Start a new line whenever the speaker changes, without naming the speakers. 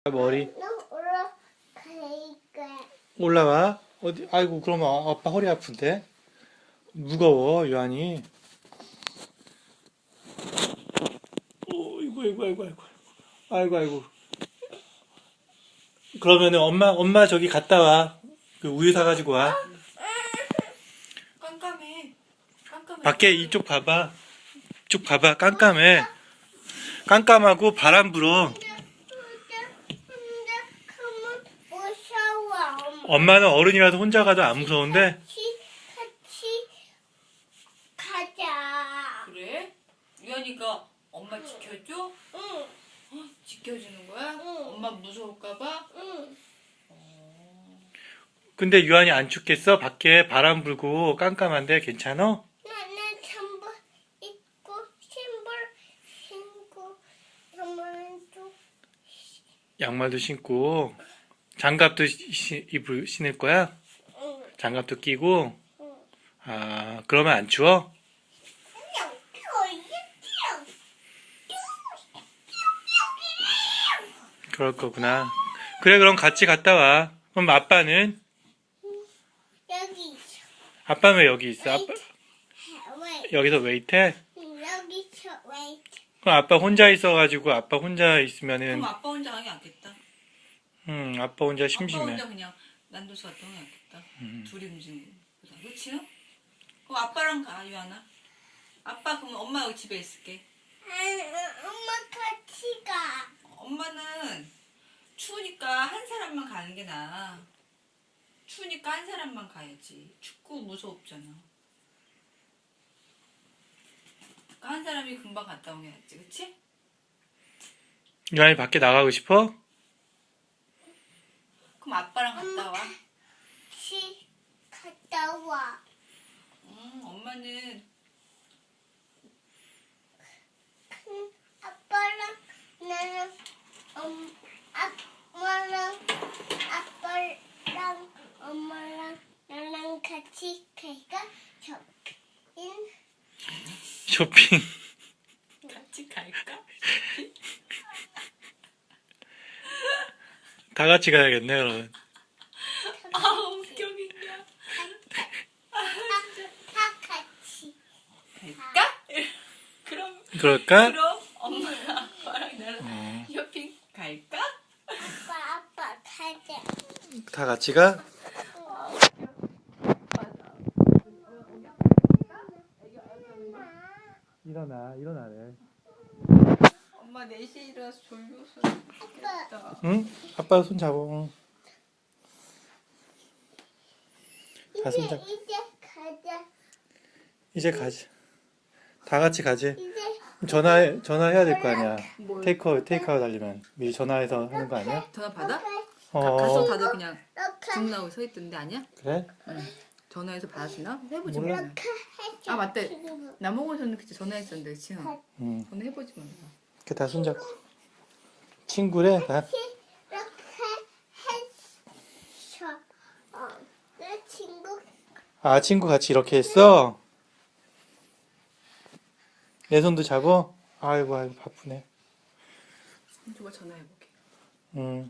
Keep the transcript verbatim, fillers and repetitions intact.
머리
올라가니까.
올라와. 어디? 아이고, 그러면 아빠 허리 아픈데. 무거워, 유한이. 오, 이고, 이고, 이고, 이고, 아이고, 아이고. 그러면은 엄마, 엄마 저기 갔다 와. 그 우유 사가지고 와.
깜깜해. 깜깜해.
밖에 이쪽 봐봐. 이쪽 봐봐. 깜깜해. 깜깜하고 바람 불어.
근데, 근데, 근데, 그러면 무서워. 엄마.
엄마는 어른이라서 혼자 가도 안 무서운데.
같이, 같이 가자.
그래? 유연이가 엄마 지켜줘?
응,
어? 지켜주는 거야?
응.
엄마 무서울까봐?
응.
근데 유한이 안 춥겠어? 밖에 바람 불고 깜깜한데 괜찮아?
나는 전부 입고 신발 신고 전부
양말도 신고 장갑도 시- 입을 신을 거야?
응.
장갑도 끼고.
응.
아, 그러면 안 추워? 그럴 거구나. 그래, 그럼 같이 갔다 와. 그럼 아빠는?
여기 있어.
아빠는 왜 여기 있어? 아빠
왜?
여기서 웨이트해?
여기 있어. 왜?
그럼 아빠 혼자 있어가지고 아빠 혼자 있으면은
그럼 아빠 혼자 하기 않겠다.
음 아빠 혼자
아빠
심심해.
혼자 그냥 난도서 활동하기 않겠다.
음.
둘이 움직이는 거다. 그치? 그럼 아빠랑 가, 유연아. 아빠 그럼 엄마 여기 집에 있을게.
아니, 엄마 같이 가.
엄마는 추우니까 한 사람만 가는 게 나아. 추우니까 한 사람만 가야지. 춥고 무섭잖아. 그러니까 한 사람이 금방 갔다 오면 낫지, 그치?
유한이 밖에 나가고 싶어?
그럼 아빠랑 갔다 와.
같이 갔다 와.
음, 엄마는
응, 아빠랑 나랑 엄 아빠랑 아빠랑 엄마랑 나랑 같이 갈까? 쇼핑.
쇼핑.
같이 갈까?
다 같이 가야겠네, 그러면.
아, 웃겨, 그냥.
다 같이.
갈까? 그럼,
그럴까?
그럼 엄마랑 아빠랑 나랑
어,
쇼핑 갈까?
아빠 아빠 가자.
다 같이 가? 일어나, 일어나래.
엄마 네 시에 일어나서 졸려서
아빠.
좋겠다.
응? 아빠 손 잡아. 응. 다
이제
손잡.
이제 가자.
이제 가자. 다 같이 가지.
이제
전화 전화해야 될 거 아니야.
뭘?
테이크아웃 테이크아웃 하려면 미리 전화해서 하는 거 아니야?
전화 받아? 가,
어.
가서 다들 그냥
이렇게
중 나오고 서 있던데 아니야?
그래?
응. 전화해서 받아주나? 해보지
몰라.
뭐.
이렇게 해줘.
아, 맞다.
지금.
남홍원서는 그때 전화했었는데 지금
응.
전화해보지 뭐.
이렇게 다 손잡고. 친구래. 다.
이렇게 해줘. 어, 내 친구.
아, 친구 같이 이렇게 했어? 내 손도 잡어? 아이고, 아이고, 바쁘네.
누가 전화해볼게.
응.